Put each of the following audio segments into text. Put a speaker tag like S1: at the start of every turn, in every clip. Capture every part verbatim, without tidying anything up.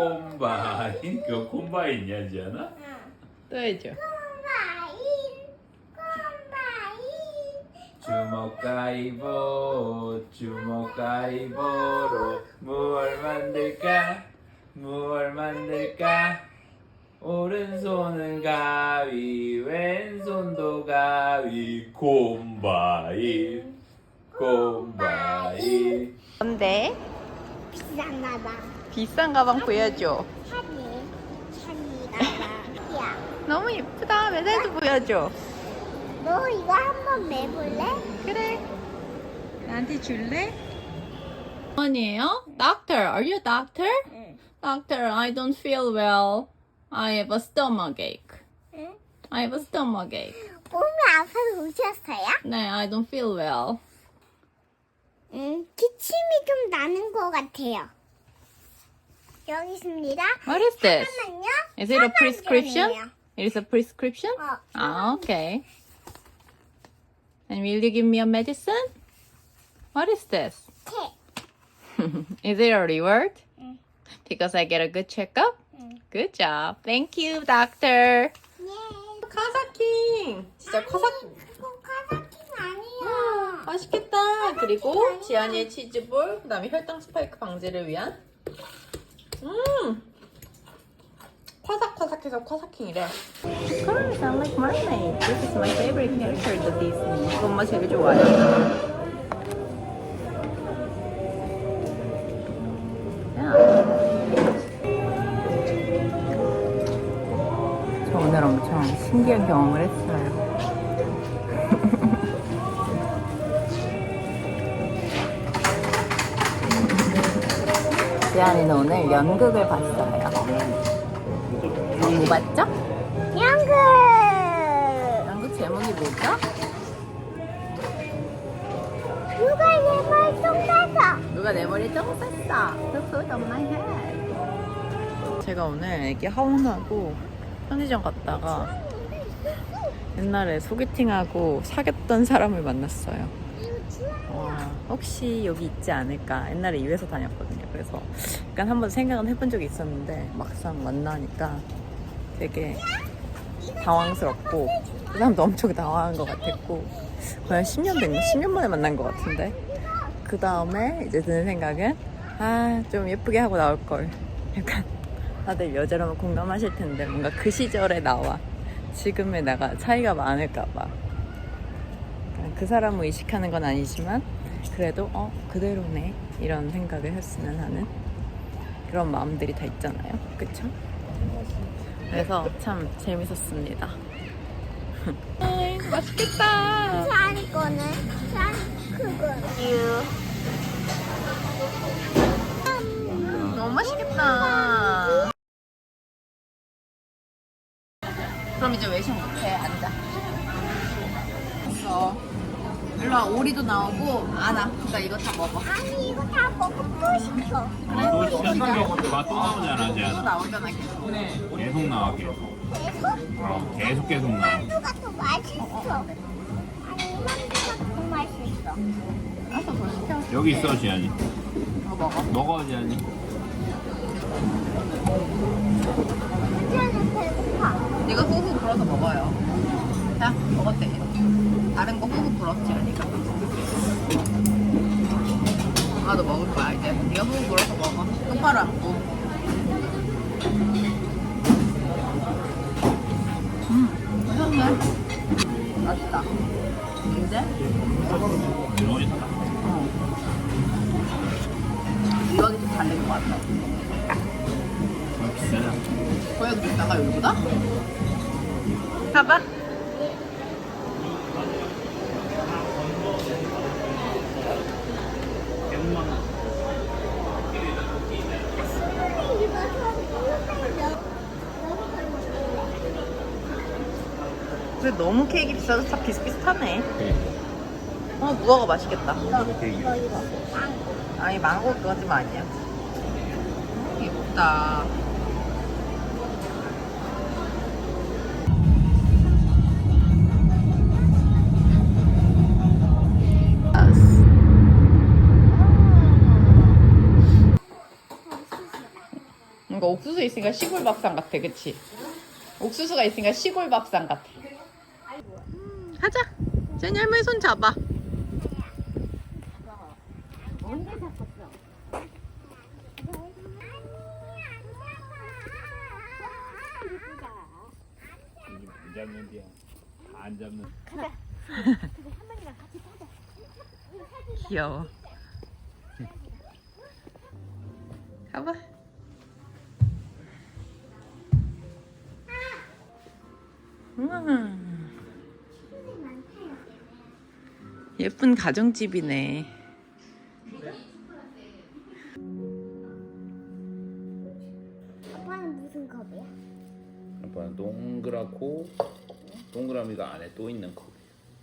S1: 콤바인? 그거 콤바인이야, 지안아?
S2: 또 해줘.
S1: 주먹 가위보 주먹 가위보로 무얼 만들까 무얼 만들까 오른손은 가위 왼손도 가위 콤바인 콤바인.
S2: 뭔데?
S3: 비싼 가방.
S2: 비싼 가방 보여줘.
S3: 샤니. 샤니 가방. 야,
S2: 너무 예쁘다. 메달도 보여줘.
S3: 너 이거 한번 매볼래?
S2: 그래. 나한테 줄래? 아니에요? Doctor, are you a doctor?
S3: 응.
S2: Doctor, I don't feel well. I have a stomach ache.
S3: 응?
S2: I have a stomach ache.
S3: 몸이 아파서 오셨어요?
S2: 네, I don't feel well.
S3: 응, 기침이 좀 나는 것 같아요. 여기 있습니다.
S2: What is this?
S3: 잠깐만요.
S2: Is it a prescription?
S3: 사망전이에요.
S2: It is a prescription?
S3: 어.
S2: Ah, okay. And will you give me a medicine? What is this?
S3: 책.
S2: Is it a reward?
S3: 응.
S2: Because I get a good checkup?
S3: 응.
S2: Good job. Thank you, doctor.
S3: 예.
S2: 카사킹. 진짜 카사
S3: 그거 카사킨 아니야.
S2: 맛있겠다. 그리고 지안이의 치즈볼, 그다음에 혈당 스파이크 방지를 위한 음. 화삭화삭해서 화사킹이래. Colors sound like mermaid. This is my favorite character, the Disney. 이거 엄마 제일 좋아해. 저 오늘 엄청 신기한 경험을 했어요. 지안이는 오늘 연극을 봤어요. 뭐 봤죠?
S3: 연극.
S2: 연극 제목이 뭐죠?
S3: 누가 내말 똥내서.
S2: 누가 내 머리에 똥 쌌어? The food on my head. 제가 오늘 애기 하원하고 편의점 갔다가 옛날에 소개팅하고 사귀었던 사람을 만났어요. 와, 혹시 여기 있지 않을까? 옛날에 이 회사 다녔거든요. 그래서 약간 한번 생각은 해본 적이 있었는데 막상 만나니까 되게 당황스럽고 그 사람도 엄청 당황한 것 같았고 거의 십 년 된 거, 십 년 만에 만난 것 같은데 그 다음에 이제 드는 생각은 아, 좀 예쁘게 하고 나올걸. 약간 다들 여자라면 공감하실 텐데 뭔가 그 시절의 나와 지금의 나가 차이가 많을까봐 그 사람을 의식하는 건 아니지만 그래도 어 그대로네 이런 생각을 했으면 하는 그런 마음들이 다 있잖아요. 그쵸? 그래서 참 재밌었습니다. 맛있겠다.
S3: 샤니 거는 샤니 그거.
S2: 너무 맛있겠다. 그럼 이제 외식 못해. 앉아. 됐어. 일로와. 오리도 나오고 안아. 그러니까 이거 다 먹어.
S3: 아니 이거 다 먹고 또 시켜.
S1: 너 시간 먹었는데 맛또 나오잖아,
S2: 또
S1: 지안아.
S2: 나오잖아 계속.
S1: 계속 나와, 계속.
S3: 계속?
S1: 어, 계속 계속 나와.
S3: 만두가 더 맛있어. 아니 만두가 더 맛있어.
S2: 알았어, 더 시켜.
S1: 여기 있어, 지안이.
S2: 더 먹어.
S1: 먹어, 지안이.
S3: 이제는 배고파.
S2: 이거 후후 불어서 먹어요. 자, 먹었대. 다른 거 후후 불었지, 아니까. 엄마도 먹을 거야, 이제. 네가 후후 불어서 먹어. 똑바로 앉고. 음, 맛있네. 맛있다. 이제?
S1: 너무 있다.
S2: 어. 이거는 좀 달린 것 같아.
S1: 비싸다.
S2: 거기가 비싸가 여기보다? 가봐. 근데 너무 케이크 비싸서 다 비슷비슷하네. 어, 무화과 맛있겠다. 아니, 망고 그거 좀 아니야. 예쁘다. 이거 옥수수 있으니까 시골 밥상 같아, 그치? 옥수수가 있으니까 시골 밥상 같아. 가자. 제니 할머니 손 잡아.
S3: 언제 잡았어?
S1: 안 잡는 데야. 안 잡는.
S2: 귀여워. 가봐. 음. 예쁜 가정집이네.
S3: 아빠는 무슨 컵이야?
S1: 아빠는 동그랗고 동그라미가 안에 또 있는 컵.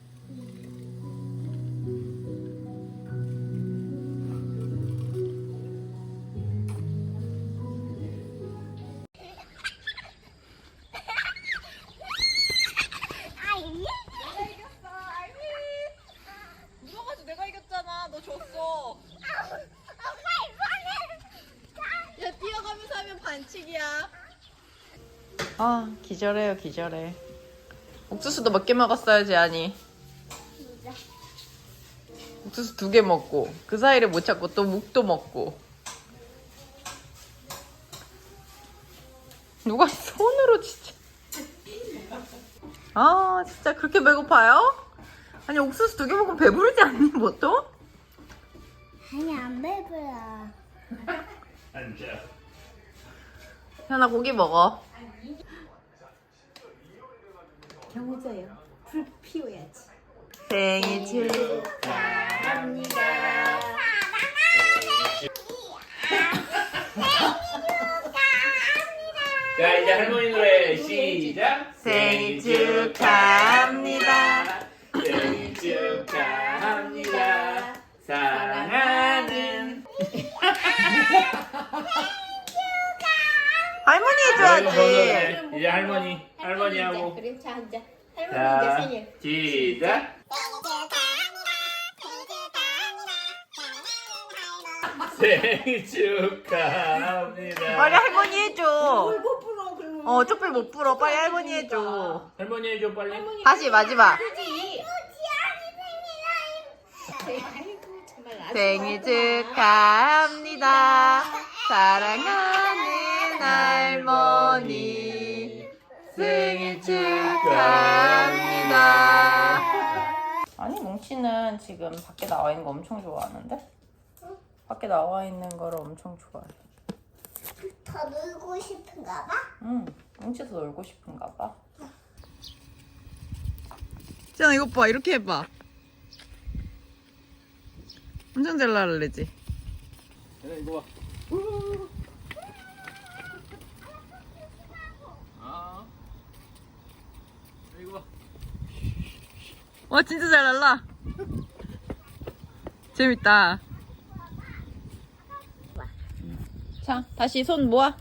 S3: 아이.
S2: 물어가지고 내가 이겼잖아. 너 졌어.
S3: 엄마 이거는.
S2: 야, 뛰어가면서 하면 반칙이야. 아, 기절해요, 기절해. 옥수수도 몇 개 먹었어야지, 아니.
S3: 진짜.
S2: 옥수수 두 개 먹고 그 사이를 못 찾고 또 묵도 먹고. 누가 손으로 진짜. 아, 진짜 그렇게 배고파요? 아니, 옥수수 두 개 먹으면 배부르지 않니, 보통?
S3: 아니 안 배불러.
S1: 앉아.
S2: 현아, 고기 먹어.
S3: 경호줘요. 불 피워야지.
S2: 생일
S3: 축하합니다.
S1: 자, 이제 할머니 노래 시작.
S2: 생일 축하합니다.
S1: 생일 축하합니다. 사랑하는
S2: 할머니 해줘야지.
S1: 이제 할머니 할머니 하고.
S3: 그래, 자 앉아.
S1: 자,
S3: 할머니 이제 생일.
S1: 시작. 생일 축하합니다.
S2: 빨리 할머니 해줘.
S3: 못 불어 그러면.
S2: 어, 쪽팔 못 불어. 빨리 할머니 해줘.
S1: 할머니 해줘 빨리.
S2: 다시 마지막.
S3: 그지. 아이고 정말 아주
S2: 생일 축하합니다. 사랑하는 할머니. 생일 축하합니다. 아니, 뭉치는 지금 밖에 나와 있는 거 엄청 좋아하는데? 밖에 나와 있는 거를 엄청 좋아해.
S3: 더 놀고 싶은가 봐.
S2: 응, 뭉치도 놀고 싶은가 봐. 지연아, 이것 봐. 이렇게 해봐. 엄청 잘 나르지?
S1: 이거 봐. 아, 이거 봐.
S2: 와, 진짜 잘 날라. 재밌다. 자, 다시 손 모아. 아,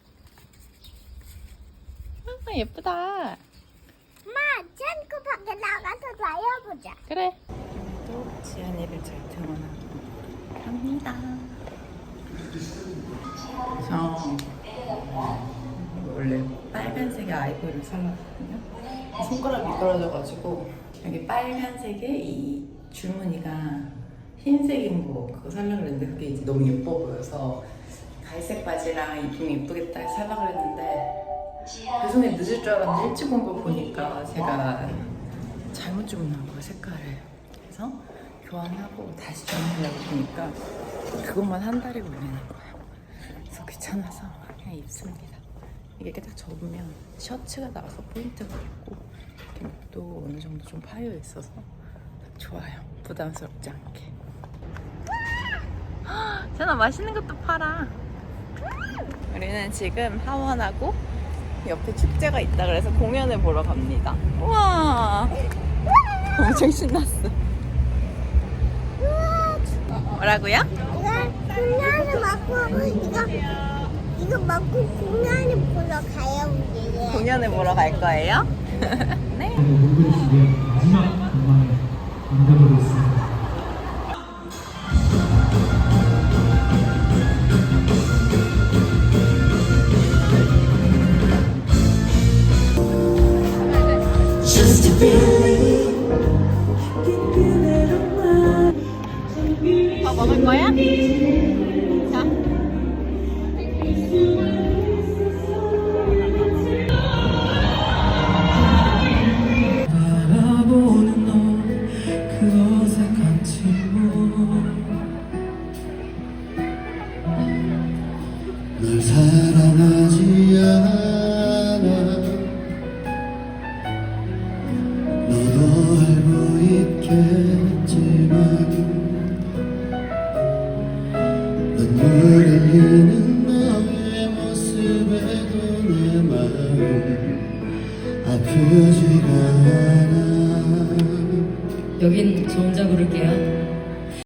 S2: 예쁘다.
S3: 엄마, 짠거 밖에 나가서 놔야보자.
S2: 그래. 또 지안이를 잘 태어나고 합니다. 저 원래 빨간색의 아이보리를 살랐거든요. 손가락 미끄러져가지고 여기 빨간색에 이 줄무늬가 흰색인 거 그거 살려고 했는데 그게 이제 너무 예뻐 보여서 갈색 바지랑 입으면 예쁘겠다 해서 살려고 했는데 배송이 늦을 줄 알았는데 일찍 온 거 보니까 제가 잘못 주문한 거예요, 색깔을. 그래서 교환하고 다시 주문하려고 보니까 그것만 한 달이 걸리는 거예요. 그래서 귀찮아서 그냥 입습니다. 이게 이렇게 딱 접으면 셔츠가 나와서 포인트가 있고 이렇게 목도 어느 정도 좀 파여 있어서 좋아요. 부담스럽지 않게. 전화 맛있는 것도 팔아. 우리는 지금 하원하고 옆에 축제가 있다 그래서 공연을 보러 갑니다. 우와, 엄청 신났어. 뭐라고요?
S3: 이거 공연을 먹고 이거 이거 먹고 공연을 보러 가요 우리.
S2: 공연을 보러 갈 거예요? 네.
S4: 마지막 공간에 만들어졌습니다.
S2: 더 먹을 거야? 자.
S4: 바라보는 너그 어색한 침묵 널 사랑하지 않아 너도 알고 있겠지만 눈물 흘리는 너의 모습에도 내 마음 아프지가 않아
S5: 여긴 저 혼자 부를게요.